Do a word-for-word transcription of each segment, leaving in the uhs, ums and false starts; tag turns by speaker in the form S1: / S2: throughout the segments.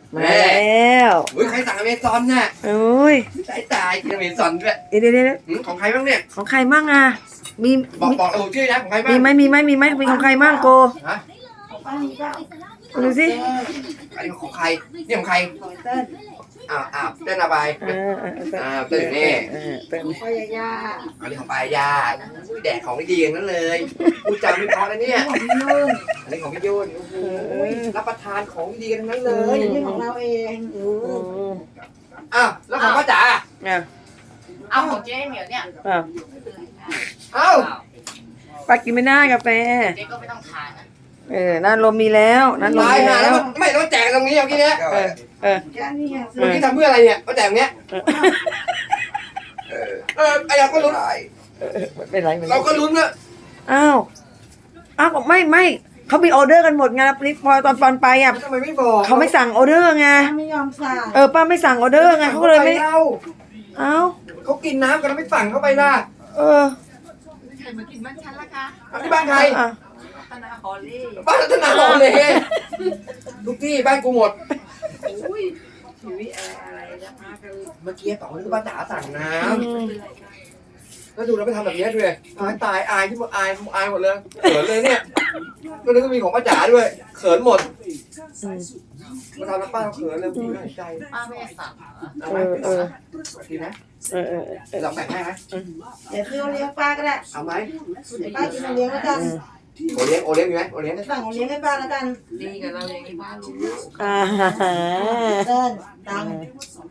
S1: มาแล้ว
S2: อุ้ยใครสั่งอเมซอนน่ะ
S1: โอ้ย
S2: ตายตายกินอเมซอนด้วย
S1: เดี๋ยวเดี๋ยวเดี๋ยว
S2: หืมของใครบ้างเนี่ย
S1: ของใครมั่งอ่ะมี
S2: บอกบอกระบุชื่อนะของใครบ้าง
S1: มีไหมมีไหมมีไหมมีของใครมั่งโก
S2: ฮะ
S1: ดูสิ
S2: อันนี้ของใครนี่ของใคร
S3: ของเต้น
S2: อ้าวอ้าวเต้นอะไร
S1: เออเออเออ
S2: อ้าวเต้นอยู่นี่
S1: เออเต้น
S3: พ่อยาย่า
S2: อันนี้ของปายาอุ้ยแดกของไม่ดีอย่างนั้นเลยพูดจาไม่เพราะนะเนี่ย
S3: ของพี่นุ่น
S2: อันนี้ของพี่ยุ่นโอ้ยรับประทานของดีกันทั้งนั้นเล
S3: เฮ้
S2: ย
S3: ยนี่ของเราเองอื
S1: อื
S3: ม
S1: ม
S2: อ้าวแล้วของป้าจ๋า
S1: อ่ะ
S4: เอาของเจ๊เหมียวเนี่ย
S1: อ่ะ
S2: อ้าว
S1: ป้ากินไม่ได้กาแฟ
S4: เจ๊ก็ไม่ต้องทานนะ
S1: เออนั่นลมมีแล้วนั่นลม
S2: ตาย
S1: มี
S2: หาแล้
S1: แล้ว ว
S2: มันไม่ต้องแจกตรงนี้เอากี้เนี้ย
S1: เออเออ
S3: แค่นี้ไงซื้
S2: เมื่อ
S3: อ
S2: กี้ทำเพื่ออะไรเนี่ยมาแจกตรงเนี้ย
S1: เออ
S2: เออไอ้เราก็ลุ้น
S1: ไม่เป็นไรไม่เป็นไร
S2: เราก็ลุ้นว่า
S1: อ้าวอ้าวไม่ไม่เขามีออเดอร์กันหมดไงแล้วนี่พอตอนตอนไปอ่ะ
S2: ทำไมไม่บอก
S1: เขาไม่สั่งออเดอร์ไง
S3: ไม่ยอมสั่ง
S1: เออป้าไม่สั่งออเดอร์ไงเขาก็เลยไม่
S2: เล่า
S1: เอ้า
S2: เขากินน้ำกันแล้วไม่สั่งเข้าไปล่ะ
S1: เออ
S4: ใครมากินบ้านฉันล่ะคะ
S2: เอาที่บ้านใคร
S1: อ่ะ
S4: ตนาฮอลลี่
S2: บ้านรัตนาหอเลยทุกที่บ้านกูหมด
S4: อุ้ย
S3: ชีวิตอะไรอะไรจะพากัน
S2: เมื่อกี้ต่อคือป้าจ๋าสั่งน้
S1: อืม
S2: ำแล้วดูแล้วไปทำแบบนี้ด้วยตายตายอายที่หมดอายอายหมดเลยเขินเลยเนี่ยก็นึกว่ามีของป้าจ๋าด้วยเขินหมด
S1: อืม
S2: มาทำแล้วป้าเราเขินเลยดีน่าเห็นใจ
S4: ป้าไม่ได้สั่งเหรอ
S2: เอาไหม
S1: เออ
S2: ดีนะ
S1: เออเออเออ
S2: ลองแบ่งให้ไหม
S3: เดี๋ยวซื้อโอเลี้ยงป้าก็ได้
S2: เอาไหม
S3: เดี๋ยวป้ากินโอเลี้ยงแล้วกัน
S2: โอเลี้ยงโอเลี้ยงมีไหมโอเลี้ยง
S3: จะสั่งโอเลี้ยงให้ป้าแล้วกัน
S4: ดีกับเราอย่างนี้ป้ารู้
S1: อ่าฮะ
S3: เต้นตังค์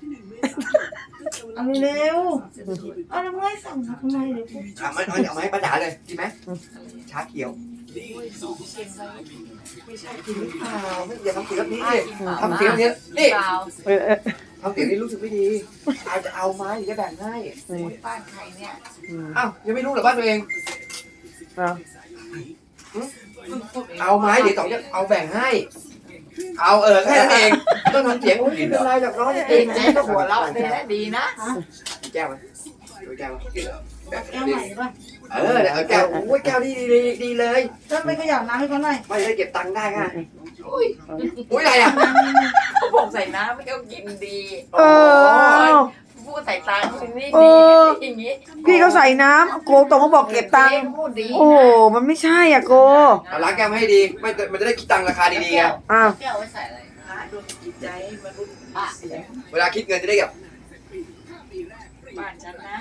S3: เอาเร็วๆเอาแล้วไม่สั่งทำไมเดี๋ยว
S2: เอาไหมเอาไหมป้าจ๋าเลยดีไหมชาเขียวไม่ใช่กินหรือเปล่าไม่อย่าทำเสียงแบบนี้ดิทำเสียงแบบนี้นี่
S4: เปล่า
S1: เออเออ
S2: ทำเสียงนี้รู้สึกไม่ดีอาจจะเอาไหมหรือจะแบ่งให้
S4: บ้านใครเนี่ย
S1: อืม
S2: อ้าวยังไม่รู้เหรอบ้านตัวเอง
S1: เอา
S2: เอาไหมเดี๋ยวสองจะเอาแบ่งให้ เอาเออแค่นั้นเองต้องทำเสียงไม่เป็นไรหรอกน้อง
S4: เจ๊
S2: เอง
S4: เจ๊ก็หัวเราะดีนะดีนะ
S2: แก้วไหมดูแก้วไหม
S3: แก้วใหม่ป่ะ
S2: เออเดี๋ยวเอาแก้วโอ้ยแก้วดีดีดีเลย
S3: เต้นไม่ขยับน้ำให้เขาหน่อย
S2: ไม่ได้เก็บตังค์ได้ค่ะ
S4: อุ้ย
S2: อุ้ยอะไรอ่ะ
S4: เขาบอกใส่น้ำไม่เขากินดี
S1: เออ
S4: พูดใส่ตังค์นี่
S1: เอ
S4: ดี
S1: อ
S4: อย่างนี้
S1: พี่เขาใส่น้ำโกตรงเขาบอกเก็บตังค์
S4: จ๊พูดดี
S1: โอ้โหมันไม่ใช่อ่ะโก
S2: เอาล้างแก้วมาให้ดีไม่มันจะได้คิดตังค์ราคาดีๆไง
S1: อ้าว
S4: แก้วไว้ใส่อะไร
S3: พระดวงจิตใจมนุษย์
S4: ป้า
S2: เวลาคิดเงินจะได้แบบ
S4: บ้านฉันนะ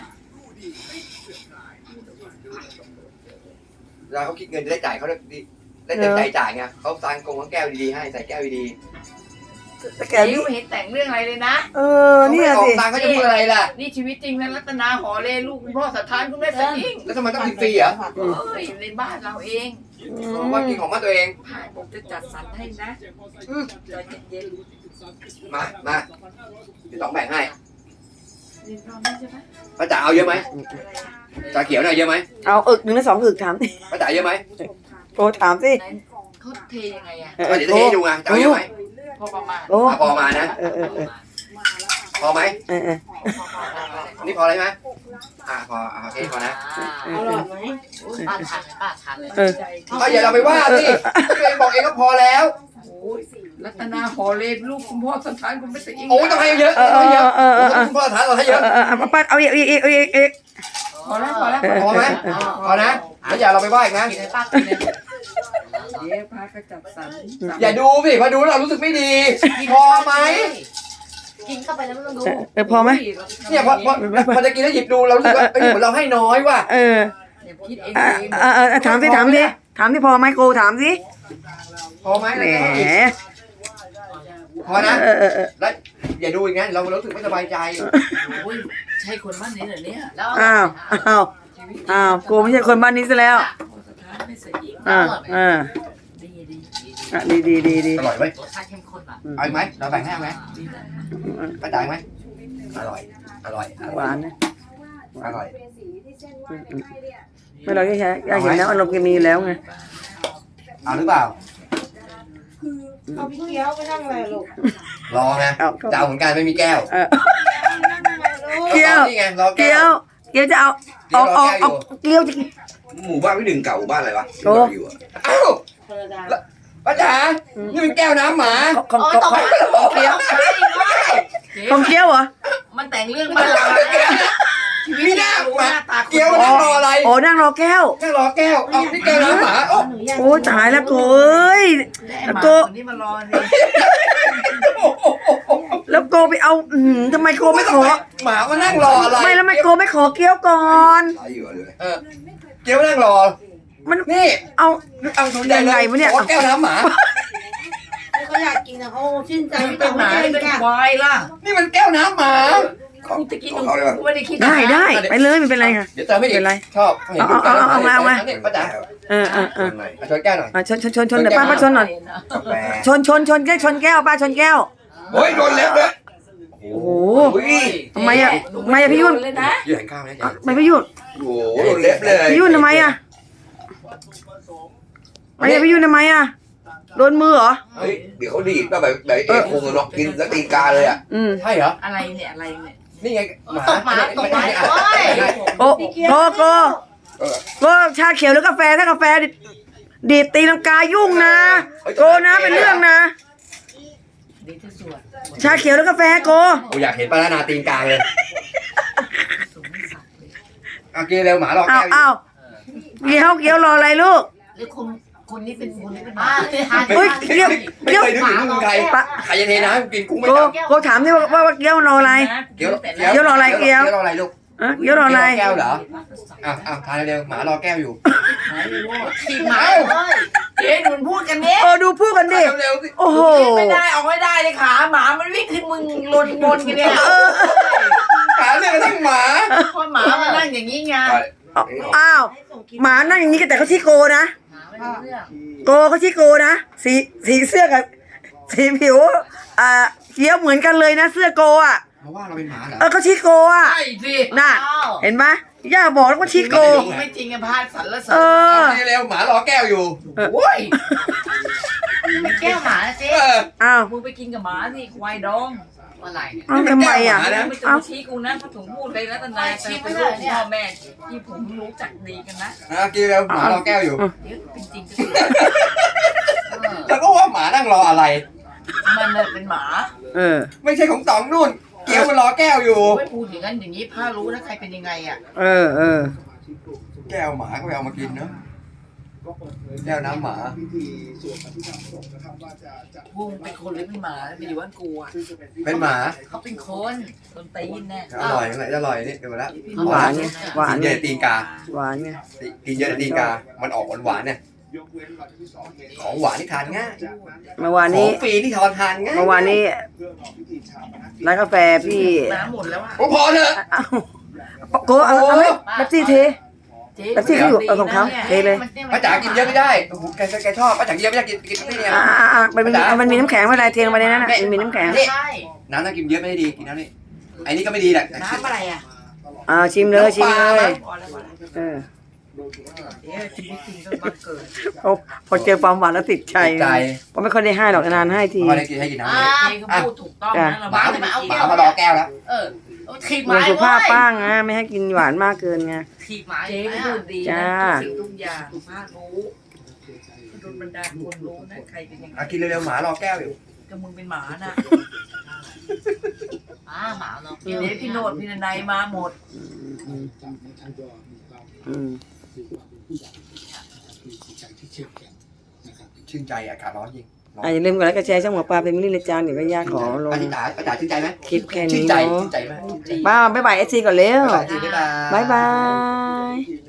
S2: เวลาเขาคิดเงินจะได้จ่ายเขาได้ดีได้เต็มใจจ่ายไงเขาตังกงทั้งแก้วดีๆให้ใส่แก้วดี
S1: แต่แก
S4: แก
S1: นี่
S4: ไม่เห็นแต่งเรื่องอะไรเลยนะ
S1: เอ
S2: ๆ
S1: อ
S2: เขา
S1: เนี่
S2: ไม่
S1: ย
S2: ออ
S1: สิ
S2: กตังค์เขาจะพูดอะไรล่ะ
S4: นี่ชีวิตจริงนะรัตนาหอเลลูกคุณพ่อสถานคุณแม่สยิ่ง
S2: แล้วทำไมต้องกินฟรีเหรอ
S4: เอ้ยในบ้านเราเอง
S1: อืม
S2: ว่ากินของมาตัวเอง
S4: ผ่านผมจะจัดสรรให้นะใจเย็น
S2: มามาเดี๋ยวสองแบ่งให้
S4: ๆเรียนพร้อมไหมใช่ไหม
S2: ป้าจ๋าเอาเยอะไหมชาเขียวน่ะเยอะไหม
S1: เอาอึกหนึ่งหรือสองอึกถาม
S2: ป้าจ๋าเยอะไหม
S1: โกถามสิ
S4: ไหนเขาเทยังไงอ่ะ
S1: เออ
S2: อ่ะเดี๋ยวจะให้ดูไงจะเอาเยอะไหม
S4: พอประมาณ
S1: โอ้
S2: อ่ะพอมานะ
S1: เออเออเออ
S2: พอไหม
S1: เออเออ
S2: นี่พออะไรไหมอ่ะพออ่ะโอเคพอนะ
S3: อร่อยไหม
S4: ป้าทานป้าทานเลย
S1: เออ
S2: เอาอย่าเราไปว่าสิตัวเองบอกเองก็พอแล้ว
S4: รัตนาหอเลลูกคุณพ่อสถานคุณแม่สยิ่ง
S2: โอ้ต้องให้เยอะ
S1: เออ
S2: ต้องให้เยอะ
S1: เออเออเออ
S2: คุณพ่อฐานเราให้เย
S1: เอ
S2: อะ
S1: อเออเอาป้าเอาอีกอีกอีกอีกอีก
S4: พอแล้วพอแล้ว
S2: พอไหมพอนะแล้วอย่าเราไปว่าอีกนะ
S4: กินเลยป้ากินเลยเดี๋ยวป้าก็จัดสรร
S2: อย่าดูสิพอดูแล้วเรารู้สึกไม่ดี พอไหม
S4: กินเข้าไปแล้วไม่ต้องดู
S1: เออพอไหม
S2: เนี่ยพอพอพอจะกินแล้วหยิบดูเรารู้สึกว่าเอ้ยเหมือนเราให้น้อยว่ะ
S1: เออ
S4: เดี๋ยวคิดเอง
S1: อ่ะ
S4: เอง
S1: อ่ะอ่ะถามสิถามสิถามสิพอไหมโกถามสิ
S2: พอไหม
S1: แหม
S2: พอนะ
S1: เออเออเออ
S2: แล้วอย่าดูอย่างนั้นเรารู้สึกไม่สบายใจ
S4: โอ้ยใช่คนบ้านนี้เหรอเนี่ยแล้ว
S1: อ้าวอ้าวอ้าวโกไม่ใช่คนบ้านนี้ซะแล้ว
S4: สถานไม่สยิ่ง
S1: อ่าอ่า
S4: ดีดี
S1: อ่ะดีดีดีดี
S2: อร่อยไหม
S4: รสชาติเข้มข้นอ่ะ
S2: เอาอีกไหมเราแบ่งให้ไหมกระจายไหมอร่อย อร่อย
S1: หวานนะ
S2: อร่อย
S1: ไม่เราแค่อยากเห็นนะอารมณ์แกมีอยู่แล้วไง
S2: เอาหรือเปล่า
S3: เอาพี่เกี้ยวไปนั่งอะไรลูก
S2: รอไงจะเอาเหมือนกันไม่มีแก้ว
S1: เออ
S3: นั่งอะไรลูก
S1: เกี้ยว
S2: นี่ไงรอ
S1: เกี๊
S2: แก้
S1: ยว วเกี๊ยวจะเอาเอาเอาเอาเกี๊ยวจะ
S5: หมู่บ้านพี่หนึ่งเก่าหมู่บ้านอะไรวะ
S1: โอ้
S5: อยู่อะ
S2: อ้าว
S3: ธรรมดา
S2: แล้วป้าจ๋านี่เป็นแก้วน้ำหมา
S1: ของ
S3: โอ้ย
S1: ของ
S3: ตก
S1: ของ
S3: ใจเกี้ยวใช่ด้วย
S1: ของเกี้ยวเหรอ
S4: มันแต่งเรื่องมาหลายชีวิต
S2: มีหน้า
S4: รู้
S2: หมา
S4: หน้าตา
S2: เกี้ยวนั่งรออะไร
S1: โอ้นั่งรอแก้ว
S2: นั่งรอแก้วเอานี่แก้วน้ำหมาโอ้
S1: โอ้ตายแล้วโกเอ้ย
S4: แล้ว
S1: โก
S4: คนนี้มารอนี่
S1: แล้วโกไปเอาอืมทำไมโกไม่ขอ
S2: หมามานั่งรออะไร
S1: ไม่แล้วทำไมโกไม่ขอเกี้ยวก่อน
S2: เออเกี้ยวนั่งรอ
S1: มัน
S2: นี่
S1: เอา
S2: เอาดูใหญ่เลย
S1: ยังไงวะเนี่ย
S2: ขอแก้วน้ำหมา
S3: เขาอยากกินนะเขาชื่นใจ
S4: เป็
S3: แต่
S4: นห
S3: ไม่
S4: มา
S3: ได้
S4: เป็น
S3: ค่ะ
S4: ควายล่ะ
S2: นี่มันแก้วน้ำหมา
S4: กูตะกี้หนูกูไม่ได้คิด
S1: ได้ได้ไปเลยไม่เป็นไรค่ะ
S2: เดี๋ยวเติมไม่อี
S1: เป็
S2: ก
S1: นไร
S2: ชอบเห็นดู
S1: เอาเอาเอามาเอามา
S2: นี่ป้าจ๋า
S1: เออเออเออ
S2: เอาชนแก้วหน่อย
S1: อ่ะชนชนชนชนเดี๋ยวป้าป้าชนหน่อย
S2: กาแฟ
S1: ชนชนชนแก้วชนแก้วป้าชนแก้ว
S2: โอ้ยโดนเล็บเลย
S1: โอ้โห
S2: โอ้ย
S1: ทำไมอะทำไมอะพี่ยุ่น
S4: เลยนะ
S2: ยืนข้าวนะ
S1: อ่ะไม่พี่ยุ่น
S2: โอ้โหโดนเล็บเลย
S1: พี่ยุ่นทำไมอะไม่อะพี่ยุ่นทำไมอะโดนมือเหรอ
S2: เฮ้ยเดี๋ยวเขาดีดป่ะแบบแบบเอกคงเนาะกินแล้วตีกาเลยอ่ะ
S1: อืม
S2: ใช่เหรอ
S4: อะไรเนี่ยอะไรเนี่ย
S2: นี่ไงหมา
S3: ตกหมาตกหมาโอ้ย
S1: โอ้โกโกโกชาเขียวหรือกาแฟถ้ากาแฟดิดีดตีลังกายุ่งนะโกนะเป็นเรื่องนะ
S4: ดีที่สุด
S1: ชาเขียวหรือกาแฟโก
S2: โอ้อยากเห็นปลานาตีนกาเลย
S4: สูงไม่สักเลย
S2: เอากินเร็วหมารอ
S1: อ้า
S2: แก้
S1: ว
S2: ว
S1: อ้าวเกี้ยวเกี้ยวรออะไรลูก
S4: แล้วคุณคนนี้เป็นคนนี้เป็นห
S3: อ่า
S4: มา
S1: เฮ้ยเกี้ยว
S2: ไม่
S1: เกี้ยว
S2: เคยนึกถึงมึงใครใครจะเทน้ำกินกุ้งไม่
S1: โก
S2: จับ
S1: โกถามดิว่าว่าว่าเกี้ยวรออะไร
S2: เกี้ยว
S4: แต่
S2: เกี้ยว
S1: รออะไรเกี้ยว
S2: รออะไรลูก
S1: อะเกี้ยวรออะไร
S2: แก้วเหรออ้าวอ้าวทานเร็วหมารอแก้วอยู่
S4: ทีหมาเจ๊หนุนพูดกันเนี้ย
S1: เออดูพูดกันดิ
S2: เร็วๆสิ
S1: โอ้โห
S4: ไม่ได้ออกไม่ได้เลยขาหมามันวิ่งขึ้นมึงลนบนกันเนี่ย
S1: เออ
S2: หาเรื่องกระทั่งหมา
S4: เพราะหมามันนั่งอย่างนี้ไง
S1: อ้าวหมานั่งอย่างนี้แต่เขาชี้โกนะ
S4: หมาไม่รู้เรื่อง
S1: โกเขาชี้โกนะสีสีเสื้อกับสีผิวอ่าเกี้ยวเหมือนกันเลยนะเสื้อโกอ่ะ
S2: เพราะว่าเราเป็นหมาเหรอ
S1: เออเขาชี้โกอ่ะ
S4: ใช่สิ
S1: น่ะเห็นไหมย่าบอกแล้วว่าชี้โก
S4: ไม่จริงอะพาดสันละสั
S1: เออ
S2: เร็วหมารอแก้วอยู่
S4: โอ้ย
S3: เป็นแก้วหมาเจ๊
S2: เออ
S1: อ้าว
S4: มึงไปกินกับหมาสิควายดองอะไรเนี่ย
S1: อ้าวทำไมอ่ะ
S2: นี่เป็นแก้วหมานะ
S4: ไม่ต้อง
S1: อ้าว
S4: มาชี้กูนะถ้าถึงพูดเลยนะทนายแต่เป็นลูกพ่อแม่ที่ผมรู้จักดีกันนะ
S2: อ่ะกินเร็วหมารอแก้วอยู่
S4: เดี๋ยวเป็นจริงก็
S2: แล้วก็ว่าหมานั่งรออะไร
S4: มันน่ะเป็นหมา
S1: เออ
S2: ไม่ใช่ของต๋องนู่น เกี้ยวมันรอแก้วอยู่
S4: ไม่พูดอย่างนั้นอย่างนี้ผ้ารู้นะใครเป็นยังไงอ่ะ
S1: เออเออ
S2: แก้วหมาก็ไปเอามากินเนอะแก้วน้ำหมา
S4: พวกมึงเป็นคนหรือเป็นหมาไปอยู่บ้านกูอ่ะ
S2: เป็นหมา
S4: เขาเป็นคนคนตีนแน่
S2: อร่อยไหนอร่อยนี่เดี๋ยวมาแล้ว
S1: หวานไงหวาน
S2: กิน
S1: ไง
S2: เยอะตีนกา
S1: หวานไง
S2: กินเยอะตีนกา มันออกหวานหวานๆเนี่ยของหวานที่ทานง่าย
S1: เมื่อวาน
S2: ขอ
S1: นี้
S2: งฟรีที่ทานทานง่าย
S1: เมื่อวานนี้ร้านกาแฟพี่
S4: น้ำหมดแล้วอ่ะ
S2: โอ้พอเถอะ
S1: อ้าวโกเอาเอาไหมแป๊บซี่เท
S4: เจ๊
S1: แล้วที่เขาอยู่เอาของเขาเทเลย
S2: ป้าจ๋ากินเยอะไม่ได้โอ้โหแกแกชอบป้าจ๋ากินเยอะไม่ได้กินกินที่เนี่ย
S1: อ่าอ่าอ่ามันมีมันมีน้ำแข็งอะไรเทลงไปในนั้นน่ะมันมีน้ำแข็ง
S4: ใช่
S2: น้ำต้องกินเยอะไม่ได้ดีกินน้ำนี่ไอ้นี่ก็ไม่ดีแหละ
S4: น้ำอะไรอ่ะ
S1: อ่าชิมเลยชิมเลย
S4: พอแล้วพอแล้ว
S1: เออ
S4: เดี๋ยวชีวิตจริงก็บังเกิด
S1: พอพอเจอความหวานแล้วติดใจ
S2: ใจ
S1: เพราะไม่ค่อยได้ให้หรอกนานๆให้ที
S2: พอได้กินให้กินน้ำ
S3: อ่า
S2: นี่
S4: เจ๊ก็พูดถูกต้องนะเรา
S2: หมา
S4: ไม่ได้กิน
S2: หมามารอแก้วแล้ว
S3: เออถีบห
S1: เรื่
S3: มา
S1: องสุขภาพป้างนะไม่ให้กินหวานมากเกินไง
S3: ถีบหมา
S4: เจ๊ก็พูดดี
S1: จ้า
S4: นะทุกสิ่งทุกอย่างพารู้โดนบรรดาคนรู้นะใครเป็นยังไง
S2: อ่ะกินเร็วๆหมารอแก้วอยู่
S4: ก็มึงเป็นหมาน่ะ
S3: อ่าหมาเนาะ
S4: เดี๋ยวพี่โนดพี่นายมาหมด
S1: อืม
S2: ชื่นใจอากาศร้อนจริงร้อน
S1: อ่ะอย่าลืมกดไลค์กดแชร์ช่องหมอปลาเป็นมินิเลจานเดี๋ยวก็ย่าขอลง
S2: ป้าจ๋าป้าจ๋าชื่นใจไหม
S1: คลิปแค่
S2: ชื่
S1: นี้
S2: นใจ
S1: เนาะ
S2: ชื่นใจไหมชื่นใจ
S1: ป้าบ๊ายบายเอซีก่อนเร็ว
S2: ป้าจ๋าชื่นใจ
S1: บ๊ายบาย